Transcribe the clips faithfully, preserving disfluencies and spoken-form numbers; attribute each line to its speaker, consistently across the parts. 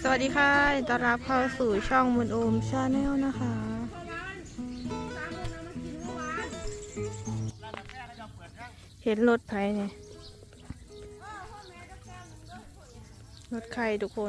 Speaker 1: สวัสดีค่ะต้อนรับเข้าสู่ช่องมุนโอมชาแนลนะคะเห็นรถไผ่เนี่ยรถใครทุกคน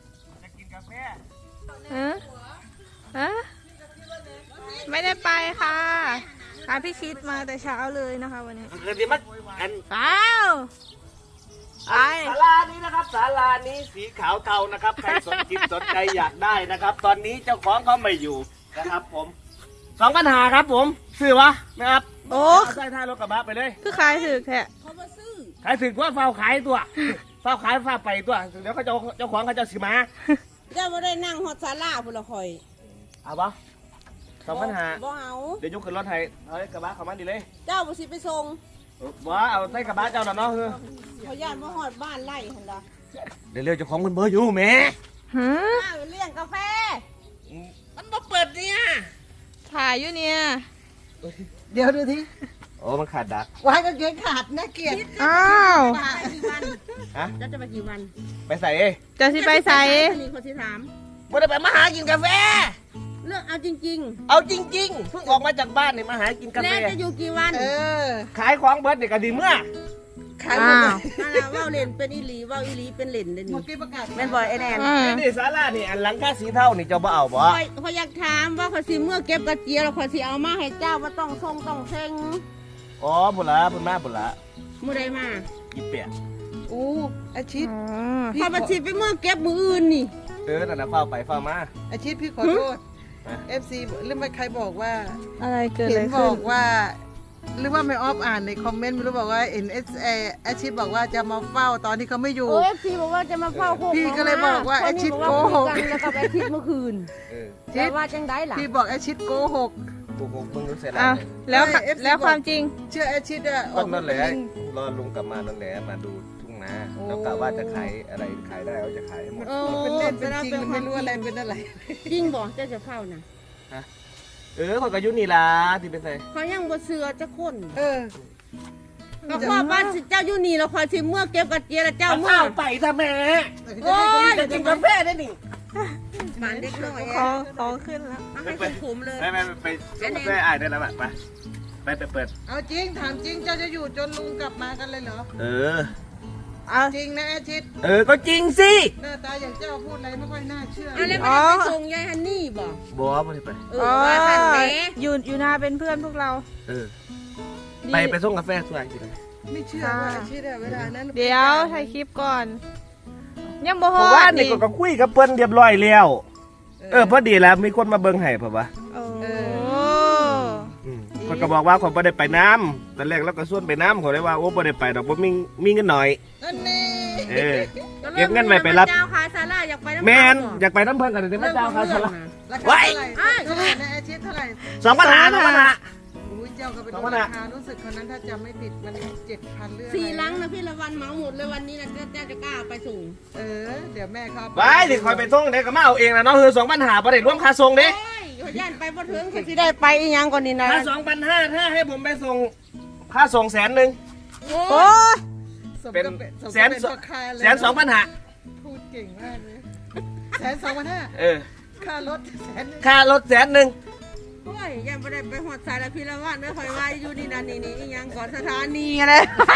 Speaker 1: ฮะฮะไม่ได้ไปค่ะพาพี่คิดมาแต่เช้าเลยนะคะวันนี้เดี๋ยวมันอันเปล่าไอ
Speaker 2: ศาลานี้นะครับศาลานี้สีขาวเทานะครับใครสนจิตสนใจอยากได้นะครับ ตอนนี้เจ้าของเขาไม่อยู่นะครับผมสองปัญหาครับผมซื้อวะนะครับโอ้ใส่ท้ายรถกระบะไปเลย
Speaker 1: คือขายถือแท้
Speaker 2: เขามาซื้อขายถือว่าเฝ้าขายตัวเฝ้าขายเฝ้าไปตัวเดี๋ยวเขาเจ้าเจ้าของเขาจะสิมา
Speaker 3: เจ้าไม่ได้นั่งฮอตซาร่าพุ่นละคอย
Speaker 2: เอาปะสองปัญหา
Speaker 3: บ่เอา
Speaker 2: เดี๋ยวยกขึ้นรถไทยเอากระบะเข้ามาดีเลย
Speaker 3: เจ้าบุสิไปส่ง
Speaker 2: ว้าเอาใส่กระบะเจ้าหน่อยเนาะคือ
Speaker 3: เขาย่านมาฮอดบ้านไล่หันละ
Speaker 2: เดี๋ยวเรียกเจ้าของมันเบอร์อยู่แม่
Speaker 1: ฮะ
Speaker 3: เลี้ยงกาแฟ
Speaker 2: มันมาเปิดเนี่ย
Speaker 1: ถ่ายอยู่เนี่ย
Speaker 3: เดี๋ยวดูที
Speaker 2: โอ้มันขาดดัก
Speaker 3: ไว้ก็เกงขาดนะเกียรติ
Speaker 1: อ้าว
Speaker 2: ฮะ
Speaker 3: จะจะไปกี่วัน
Speaker 2: ไปใส่เอ้
Speaker 1: จะสิไปใส่
Speaker 3: นี่คนที่ถาม
Speaker 2: ไม่ได้ไปมาหากินกาแฟ
Speaker 3: เลือกเอาจริง
Speaker 2: ๆเอาจริงๆเพิ่งออกมาจากบ้านเนี่ยมาหากินกาแฟ
Speaker 3: แล้วจะอยู่กี่วันเอ
Speaker 2: อขายของเบิร์ดเนี่ยก็ดีเมื่อ
Speaker 3: ขายหมดเลยนั่นแหละว่าเล่นเป็นอีหลีว่าอีหลีเป็นเล่นเลยนี่แม่นบอยไอแนน
Speaker 2: นี่ศาลานี่อันหลังคาสีเทานี่เจ้าบ่เอาบ่
Speaker 3: เขาอยากถามว่าเขาสิเมื่อเก็บกระเจียวเขาสิเอามาให้เจ้าว่าต้องทรงต้องเซ็ง
Speaker 2: อ๋อบุญละบุญมาบุญละ
Speaker 3: เมื่อใดมา
Speaker 2: ยี่เปีย
Speaker 3: โอ้อาชิตพอมาชิตไปเมื่อเก็บมืออื่นนี่
Speaker 2: เออนั่นนะเฝ้าไปเฝ้ามา
Speaker 4: อาชิตพี่ขอโทษเอฟซีหรือไม่ใครบอกว่า
Speaker 1: อะไรเกิดอะไร
Speaker 4: ขึ้นบอกว่าหรือว่าไม่ออฟอ่านในคอมเมนต์ไม่รู้บอกว่าเอ็นเอสเออาชิตบอกว่าจะมาเฝ้าตอนที่เขาไม่อยู่
Speaker 3: เอฟซีบอกว่าจะมาเฝ้า
Speaker 4: พี่ก็เลยบอกว่าอาชิตโกหก
Speaker 3: แล้วก็อาชิตเมื่อคืนแต่ว่าจังได้ล่ะ
Speaker 4: พี่บอกอาชิตโกหก
Speaker 2: โกหกมึงรู้เสร็จ
Speaker 1: แล้วแล้วแล้วความจริง
Speaker 4: เชื่ออาชิตอะ
Speaker 2: ออกนั่นแหละรอลุงกลับมานั่นแหละมาดูทุ่งนาแล้วกะว่าจะขายอะไรขายได้เขาจะขายหมด
Speaker 4: เป็นเล่นเป็นจริงมันไม่รู้อะไรเป็นอะไร
Speaker 3: จริงบอกเจ้าจะเฝ้านะ
Speaker 2: เออคนกระยุนี่ล่ะที่เป็นไง
Speaker 3: เขายังบ่เสือจะคน
Speaker 4: เออ
Speaker 3: ก็พ่อบ้านเจ้าอยู่นี่แล้วคอยสิเมื่อเก็บกระเจียแล้วเจ้าเมื่อ
Speaker 2: ไปทำไม
Speaker 3: โอ้ย
Speaker 2: จะกินกาแฟได้หนิ
Speaker 3: หมันเด็กน้อย
Speaker 1: คอคอขึ้นแล้ว
Speaker 3: ให้คุณขุมเลย
Speaker 2: ไปไปไปกาแฟอ่านได้แล้วไปไปไปเปิด
Speaker 4: เอาจริงถามจริงเจ้าจะอยู่จนลุงกลับมากันเลยเหรอ
Speaker 2: เออ
Speaker 4: เอาจริงนะอาชิต
Speaker 2: เออก็จริงสิ
Speaker 4: หน้าตาอย่างเจ้าพูดอะไรไม่ค่อยน่าเชื่อ
Speaker 3: อะไรไม่ไปส่งยายฮันนี่บอก
Speaker 2: บอกไม่ไป
Speaker 1: เอออยู่อยู่นาเป็นเพื่อนพวกเรา
Speaker 2: เออไปไปส่งกาแฟสวยจริง
Speaker 4: ไม่เชื่อว่าอาชิตเวลานั้น
Speaker 1: เดี๋ยวถ่ายคลิปก่อนยังบ่ฮอด
Speaker 2: ว่านี่ก็คุยกับเปิ้นเรียบร้อยแล้วเออพอดีแล้วมีคนมาเบิ่งให้ป่ะวะ
Speaker 1: เอ
Speaker 2: อคนก็บอกว่าคนบ่ได้ไปน้ำตอนแรกเราก็ส่วนไปน้ำเขาเลยว่าโอ้บ่ได้ไปดอกบ่มีมีเงินหน่อยเออเก็บเงินไว้ไปรับ
Speaker 3: เจ้าขายซาร่าอยากไปน้ำ
Speaker 2: แมนอยากไปน้ำเพิ่นกันแต่ไม่เจ้าขายซาร่า
Speaker 4: ไว้เท่าไหร่นะอาชิตเท่าไหร่
Speaker 2: สองปัญหาสองปัญหา
Speaker 4: อุ้ยเจ้าก็เป็นราคารู้สึกคนนั้นถ้าจำไม่ผิดมันเจ็ดพันเรื่อง
Speaker 3: สี่ลังนะพี่ละวันเหมาหมดเลยวันนี้นะเจ้าจะกล้าไปส่ง
Speaker 4: เออเดี๋ยวแม่เขา
Speaker 2: ไว้ดิคอยไปส่งเด็กก็มาเอาเองนะเนาะคือสองปัญหาประเด็นร่วมค่าส่งเด้
Speaker 3: ย่านไปบ่ถึงเขาสิได้ไปอีหยังก่อนนี่นะ
Speaker 2: ถ้าสองพันห้าถ้าให้ผมไปส่งค่าส่งแสนหนึ่ง
Speaker 1: โอ้
Speaker 2: เป็นแสนแสนสองพันห้า
Speaker 4: พูดเก่งมากเลยแสนสองพันห้า
Speaker 2: เออ
Speaker 4: ค่ารถแสน
Speaker 2: ค่ารถแสนหนึ่ง
Speaker 3: โอ้ยยังไม่ได้ไปหอดสายละพี่ละวันไม่ค่อยว่าอยู่นี่นั่นนี่นี่อีหยังก่อนสถานีอะไร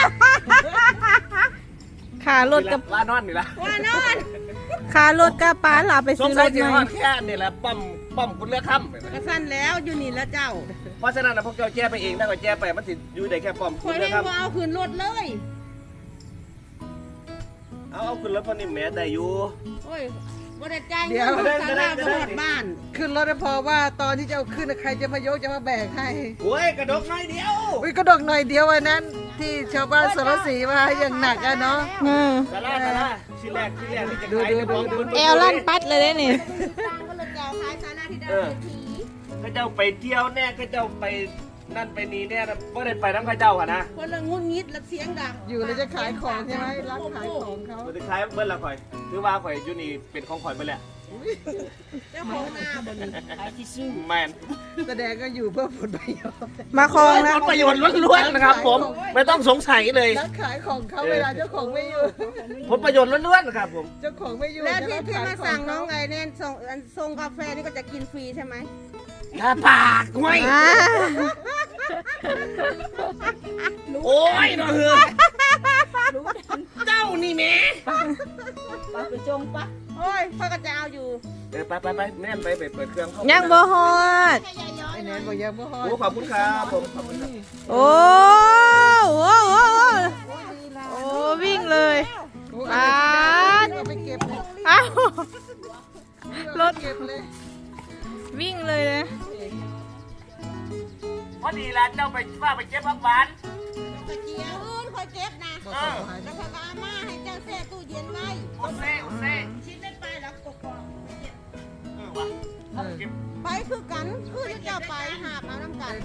Speaker 1: ขารถกับ
Speaker 2: ว่านอนนี่ละ
Speaker 3: ว่านอน
Speaker 1: ขารถกับป้าหลับไปซื้อรถใหม่
Speaker 2: แค่นี่แหละปั๊มปั๊มคุณเลือกค่ำ
Speaker 3: กระสั้นแล้วอยู่นี่แล้วเจ้า
Speaker 2: เพราะฉะนั้นนะพวกเจ้าแจ้ไปเองได้ก็แจ้ไปมันติดอยู่ได้แค่ปั๊ม
Speaker 3: คุณเลือกค่ำเอาขึ้นรถเลย
Speaker 2: เอาเอาขึ้นรถพอนี่แม่ได้อยู่
Speaker 3: โอ้ยบ่ได้จ่ายเงินสาราบ่หมดบ้าน
Speaker 4: ขึ้นรถพอว่าตอนที่จะเอาขึ้นใครจะมายกจะมาแบกให้
Speaker 2: โอ้ยกระดกหน่อยเดียว
Speaker 4: อุ้ยกระดกหน่อยเดียววันนั้นที่ชาวบ้านสารสีมาอย่างหนักอะเนาะ
Speaker 2: สาราสาราชิ้นแรกชิ้นแรกที่จะขาย
Speaker 1: แอลลั่นปัดเลยนี่
Speaker 2: ก็เจ้าไปเที่ยวแน่ก็เจ้าไปนั่นไปนี่เนี่ยไม่ได้ไปน้ำข้าเจ้าค่ะนะ
Speaker 3: คนละงุนงิดและเสียงดัง
Speaker 4: อยู่แล้วจะขายของใช่ไหมร้านขายของเขา
Speaker 2: สุดท้ายเบิ้ลละข่อยถือว่าข่อยอยูนี่เป็นของข่อยไปแหละ
Speaker 3: เจ้าของหน้าบ่มีขายที่ซื้อ
Speaker 2: แมน
Speaker 4: แสดงก็อยู่เพื่อผลประโยชน์
Speaker 1: มาคลองแล้ว
Speaker 2: ผลประโยชน์ล้วนๆนะครับ ผมไม่ต้องสงสัยเลย
Speaker 4: ร้านขายของเขาเวลาเจ้าของไม่อยู่
Speaker 2: ผลประโยชน์ล้วนๆนะครับผม
Speaker 4: เจ้าของไม่อยู่
Speaker 3: แล้วที่
Speaker 4: จะ
Speaker 3: ที่
Speaker 4: ขย
Speaker 3: มา
Speaker 4: ข
Speaker 3: สั่งน้อง
Speaker 4: เขา
Speaker 3: ไงเนี่ยส่งอันส่งกาแฟนี่ก็จะกินฟรีใช่ไหม
Speaker 2: ถ้าปากห้วย
Speaker 1: อ่า
Speaker 2: โอ้ยน้องเฮือเจ้านี่แม่
Speaker 3: ไปจงปะโอ้ยพ่อก็จะเอาอยู่
Speaker 2: เออไปไปไปแม่นไปไปเปิดเครื่องเข้า
Speaker 1: ยังบ่ฮอด
Speaker 4: ไอ้แนนบอกยังไม่ฮอด
Speaker 2: โอ้ขอบคุณครับผมขอบคุณครับ
Speaker 1: โอ้โหโอ้โหโอ้วิ่งเลย
Speaker 4: โอ้
Speaker 1: ปาด
Speaker 4: เอาไปเก็บเลย
Speaker 1: อ้าว รถ
Speaker 4: เก็บเลย
Speaker 1: วิ่งเลยนะ
Speaker 2: พอดีร้านเจ้าไปว่าไปเก็บผักหวาน
Speaker 3: กระเจียวอื่นคอยเก็บนะ
Speaker 4: บอกเขาหาย
Speaker 3: แล้วพอก็เอามาให้เจ้าแช่ตู้เย็นไว้
Speaker 2: โอเซ่โอเซ่
Speaker 3: ชิ้นได้ไปแล้วกกอก
Speaker 2: เออวะเอาเก็บ
Speaker 3: ไปคือกันคือจะเจ้าไปหาบเอาน้ำกัน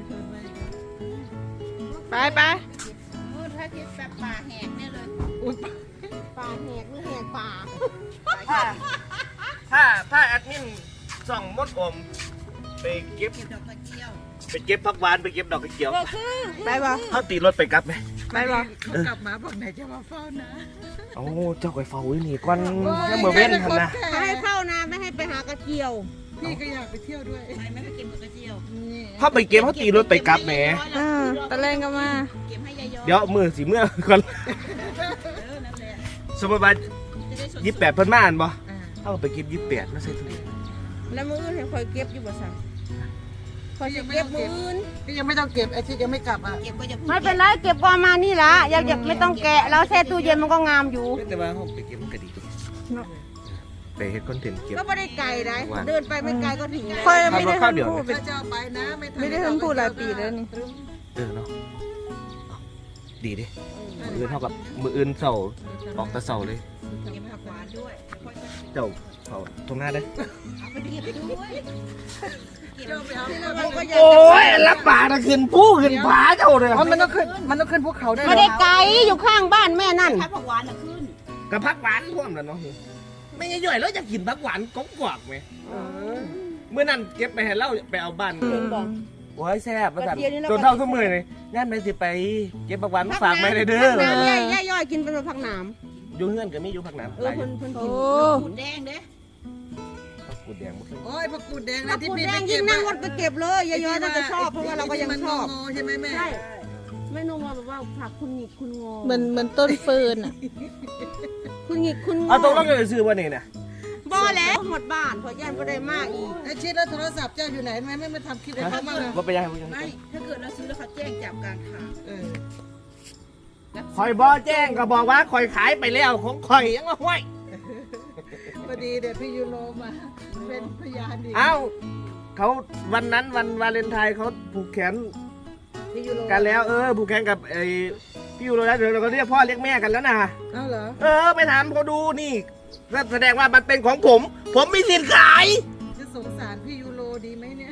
Speaker 1: ไปไป
Speaker 3: มืดถ้าคิดแบบป่าแหกเนี่ยเลย
Speaker 4: อุ๊ย
Speaker 3: ป่าแหกหรือแหกป่า
Speaker 2: ถ้าถ้าถ้าแอดมินส่องมดอมไปเก็บ
Speaker 3: ดอกกระเจียว
Speaker 2: ไปเก็บผักหวานไปเก็บดอกกระเจียว
Speaker 3: ก็คือ
Speaker 1: ไปบ่
Speaker 2: เขาตีรถไปกลับไหม
Speaker 1: ไปบ่
Speaker 4: เขากลับมาบอกไหนจะมาเฝ้านะ
Speaker 2: โอ้เจ้าไปเฝ้าอยู่นี่ก่อนยังมือเว้นทันนะ
Speaker 3: ถ้าให้เข้านะไม่ให้ไปหากระเจียว
Speaker 4: พี่ก็อยากไปเที่ยวด้วย
Speaker 3: ไปไม่ไปกินกระเจียว
Speaker 4: นี่
Speaker 2: เขาไปเก็บเขาตีรถไปกลับแหม
Speaker 1: อ่าตะแรงก็มา
Speaker 3: เก็บให้ยายย้อย
Speaker 2: เดี๋ยวมือสีเมื่อก่อน
Speaker 3: เออนั่นแหละ
Speaker 2: สมมติว่า
Speaker 3: จะได้สด
Speaker 2: ยี่สิบแปดเพิ่นมาอ่านบ่
Speaker 4: อ่า
Speaker 2: เขาก็ไปเก็บยี่สิบแปดมาใส่ถุง
Speaker 3: แล้วมืออื่นให้คอยเก็บอยู่บ่สั่งคอยจะเก็บมืออื่น
Speaker 4: พี่ยังไม่ต้องเก็บไอ้ที่ยังไม่กลับอ่ะ
Speaker 3: เก็บก็จะไม่เป็นไรเก็บก่อนมานี่ละอยากไม่ต้องแกะแล้วแช่ตู้เย็นมันก็งามอยู่
Speaker 2: แต่ว่าเขาไปเก็บมันก็ดีตัวไปเฮ็ดคอนเทนต์เก็บ
Speaker 3: ก็ไม่ได้ไกลนะเดินไปไม่ไกลก็ถึงแล้ว
Speaker 1: ค่อยไม่ได้
Speaker 2: ข้าว
Speaker 1: ทัน
Speaker 2: เดี๋ยว
Speaker 1: พูด
Speaker 4: ถ้าจะเอาไปนะไม่ทัน
Speaker 1: ไม่ได้ทันพูดหลายปีแล้วนี่
Speaker 2: เออเนาะดีดิมืออื่นเท่ากับมืออื่นเสาออกแตะเสาเลย
Speaker 3: เก็บผักหวานด้วย
Speaker 2: เจ้าเขาตรงหน้าได้
Speaker 3: เอาไปเก็บด้วย
Speaker 4: เจ้าไปเอา
Speaker 3: เราก็อยาก
Speaker 2: โอ้ยรับปากนะขึ้นผู้ขึ้นผาเจ้าเลย
Speaker 4: อ๋อมันต้องขึ้นมันต้องขึ้นภูเขาได้เหร
Speaker 3: ไม่
Speaker 4: อ
Speaker 3: ได้ไกลอยู่ข้างบ้านแม่นั่นผักหวานน่ะขึ้น
Speaker 2: กับพักหวานท่วมแล้วเนาะไม่งั้นย่อยแล้วจะกินพักหวานกกวกไหม
Speaker 4: เออ
Speaker 2: เมื่อนั้นเก็บไปให้เล่าไปเอาบ้าน
Speaker 3: เห็นบ่
Speaker 2: โอ้ยแซ่บประสาน
Speaker 3: เดี๋ยวนี้เรา
Speaker 2: จนเท่าทุกมือเลยงั้นไปสิไปเก็บผักหวานมาฝากไม่ได้เด้อ
Speaker 3: ผักน้ำย่อยย่อยกินเป็นผักหนาม
Speaker 2: อยู่เฮือนก็มีอยู่ผักน้ำ
Speaker 3: เออเพิ่นเพิ่นกินขุนแดงเด้
Speaker 2: ผักกูดแดงบ่เคย
Speaker 4: โอ้ยผักกูดแดง
Speaker 3: ผั
Speaker 4: นะ
Speaker 3: ก
Speaker 4: ที่
Speaker 3: ขุน
Speaker 4: พี่
Speaker 3: แด
Speaker 4: ไป
Speaker 3: ง
Speaker 4: เก็
Speaker 3: ยิ่
Speaker 4: บ
Speaker 3: งนั่งรถไปเก็บเลยยายๆน่าจะชอบเพราะว่าเราก็ยังชอบ
Speaker 4: งอใช่ไหมแม่
Speaker 3: ใช่ไม่นุ่มว่าแบบว่าผักคุณหงิกคุณงอ
Speaker 1: เหมือนเหมือนต้นเฟิร์นอ่ะ
Speaker 3: คุณหงิกคุณงอ
Speaker 2: เอาตรงนั้นเลยซื้อว่านี่นะ
Speaker 3: บ่แล้วหมดบ้านเพราะย่านบ่ได้มากอีก
Speaker 4: ไอ้ชิดแล้วโทรศัพท์เจ้าอยู่ไหนทำไมไม่มาทำคลิปให้เขาบ้างเลย
Speaker 2: ว่าไปยังไง
Speaker 3: ไม่ถ้าเกิดเราซื้อแล้วเขาแจ้งจับกลางทาง
Speaker 4: เออ
Speaker 2: คอยบอแจ้งก็บอกว่าคอยขายไปแล้วของคอยยังว่าห้วย
Speaker 4: พอดีเดี๋ยวพี่ยูโรมาเป็นพยานดี
Speaker 2: เอ้าเขาวันนั้นวันวาเลนไทน์เขาผูกแขน
Speaker 4: พี่ยูโร
Speaker 2: กันแล้วเออผูกแขนกับไอ้พี่ยูโรแล้วเดี๋ยวเราก็เรียกพ่อเรียกแม่กันแล้วนะ
Speaker 4: เอ้าเหรอ
Speaker 2: เออไปถามเขาดูนี่ก็แสดงว่ามันเป็นของผม ผมมีสิทธิ์ขาย
Speaker 4: จะสงสารพี่ยูโรดีไหมเนี่ย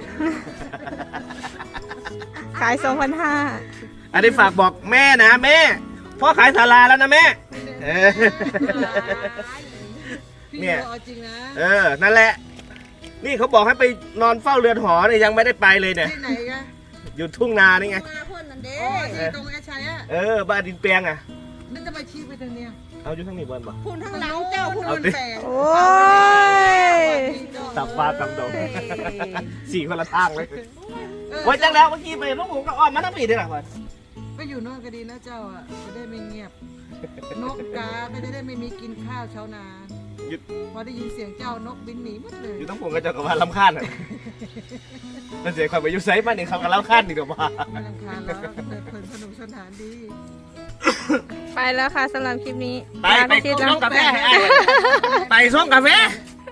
Speaker 1: ขายสองพันห้า
Speaker 2: อันนี้ฝากบอกแม่นะแม่พ่อขายศาลาแล้วนะแม่เออ
Speaker 4: พี่
Speaker 2: เนี่
Speaker 4: ยู
Speaker 2: ย
Speaker 4: โรเอาจริงนะ
Speaker 2: เออนั่นแหละ นี่เขาบอกให้ไปนอนเฝ้าเรือนหอเนี่ยยังไม่ได้ไปเลยเนี่ย
Speaker 4: ที่ไหนกัน
Speaker 2: อยู่ทุ่งนานี่ไง
Speaker 3: มาเพิ่นนั่นเด้
Speaker 4: โอ้ที่ตรงไอ้ชัยอะ
Speaker 2: เออบ้านดินแปลงอ่ะ
Speaker 4: นั่นจะมาชี้ไปทางเนี้ย
Speaker 2: เอาอยู่ทั้งนี้บนบ่
Speaker 3: คุณทั้งหลังเจ้าคุณ
Speaker 2: เอา
Speaker 4: มัน
Speaker 2: ดิ
Speaker 4: แปลง
Speaker 1: โอ้ย
Speaker 2: ตับปลาตับดงสี่คนละทางเลยโอ้ยจังแล้วเมื่อกี้ไปลูกผมก็อ้อมมาทั้งปีเลยหรอพ่อ
Speaker 4: ไปอยู่โน่นก็ดีนะเจ้าอ่ะจะได้ไม่เงียบ นกกาก็จะได้ไม่มีกินข้าวเช้านาน
Speaker 2: หยุด
Speaker 4: พอได้ยินเสียงเจ้านกบินหนีหมดเลย
Speaker 2: อยู่ทั้งผมก็จะกับว่าลำคาญอ่ะมันเสียความไปอยู่ไซส์มาเนี่ยเขากับลำคาญดีกว่า
Speaker 4: ไม่รำคาญแล้วเพลินสนุกสนานดี
Speaker 1: ไปแล้วค่ะสำหรับคลิปนี้
Speaker 2: ไป
Speaker 1: ลา
Speaker 2: ไป
Speaker 1: พี่ชิด
Speaker 2: ส่
Speaker 1: แล้ว
Speaker 2: งกาแฟให้อ้ายไปส่งกาแฟ